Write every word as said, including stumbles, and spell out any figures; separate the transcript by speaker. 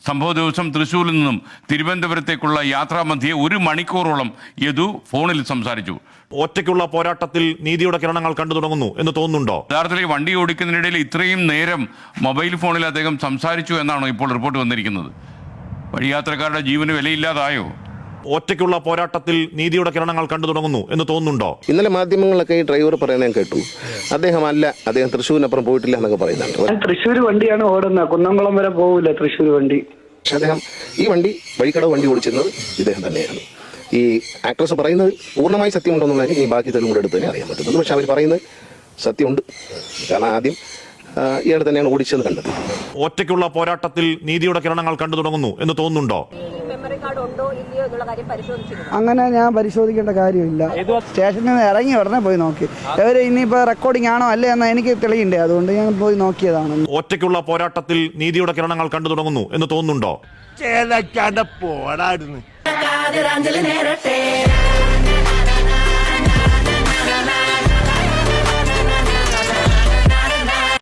Speaker 1: സംഭവ ദിവസം തൃശ്ശൂരിൽ നിന്നും തിരുവനന്തപുരത്തേക്കുള്ള യാത്രാമധ്യേ ഒരു മണിക്കൂറോളം യദു ഫോണിൽ സംസാരിച്ചു.
Speaker 2: ഒറ്റയ്ക്കുള്ള പോരാട്ടത്തിൽ നീതിയുടെ കിരണങ്ങൾ കണ്ടു തുടങ്ങുന്നു എന്ന് തോന്നുന്നുണ്ടോ?
Speaker 1: യഥാർത്ഥത്തിൽ വണ്ടി ഓടിക്കുന്നതിനിടയിൽ ഇത്രയും നേരം മൊബൈൽ ഫോണിൽ അദ്ദേഹം സംസാരിച്ചു എന്നാണോ ഇപ്പോൾ റിപ്പോർട്ട് വന്നിരിക്കുന്നത്? വഴിയാത്രക്കാരുടെ ജീവന് വിലയില്ലാതായോ?
Speaker 2: ഒറ്റയ്ക്കുള്ള പോരാട്ടത്തിൽ നീതിയുടെ കിരണങ്ങൾ കണ്ടു തുടങ്ങുന്നു എന്ന് തോന്നുന്നുണ്ടോ?
Speaker 3: ഇന്നലെ മാധ്യമങ്ങളൊക്കെ ഈ ഡ്രൈവർ പറയുന്നത് ഞാൻ കേട്ടു. അദ്ദേഹം അല്ല, അദ്ദേഹം തൃശ്ശൂരിനപ്പുറം പോയിട്ടില്ല എന്നൊക്കെ പറയുന്നുണ്ട്.
Speaker 4: തൃശ്ശൂർ വണ്ടിയാണ് ഓടുന്നത്, കുന്നംകുളം വരെ പോകില്ല തൃശ്ശൂർ വണ്ടി.
Speaker 3: പക്ഷെ അദ്ദേഹം ഈ വണ്ടി വഴിക്കടവ് വണ്ടി ഓടിച്ചിരുന്നത് ഇദ്ദേഹം തന്നെയാണ്. ഈ ആക്ട്രസ് പറയുന്നത് പൂർണ്ണമായി സത്യമുണ്ടെന്നുള്ളതിന് ഈ ബാക്കി തെളിവ് കൂടെ എടുത്ത് തന്നെ അറിയാൻ പറ്റുന്നത്. പക്ഷെ അവർ പറയുന്നത് സത്യമുണ്ട്. കാരണം ആദ്യം ഇയാൾ തന്നെയാണ് ഓടിച്ചത് കണ്ടത്.
Speaker 2: ഒറ്റയ്ക്കുള്ള പോരാട്ടത്തിൽ നീതിയുടെ കിരണങ്ങൾ കണ്ടു തുടങ്ങുന്നു എന്ന് തോന്നുന്നുണ്ടോ?
Speaker 5: അങ്ങനെ ഞാൻ പരിശോധിക്കേണ്ട കാര്യമില്ല. സ്റ്റേഷനിൽ നിന്ന് ഇറങ്ങി ഉടനെ പോയി നോക്കി. ഇവര് ഇനിയിപ്പോ റെക്കോർഡിംഗ് ആണോ അല്ലേ എന്ന് എനിക്ക് തെളിയണ്ടേ, അതുകൊണ്ട് ഞാൻ പോയി നോക്കിയതാണ്.
Speaker 2: ഒറ്റയ്ക്കുള്ള പോരാട്ടത്തിൽ നീതിയുടെ കിരണങ്ങൾ കണ്ടു തുടങ്ങുന്നു എന്ന് തോന്നുന്നുണ്ടോ?
Speaker 6: പോടായിരുന്നു.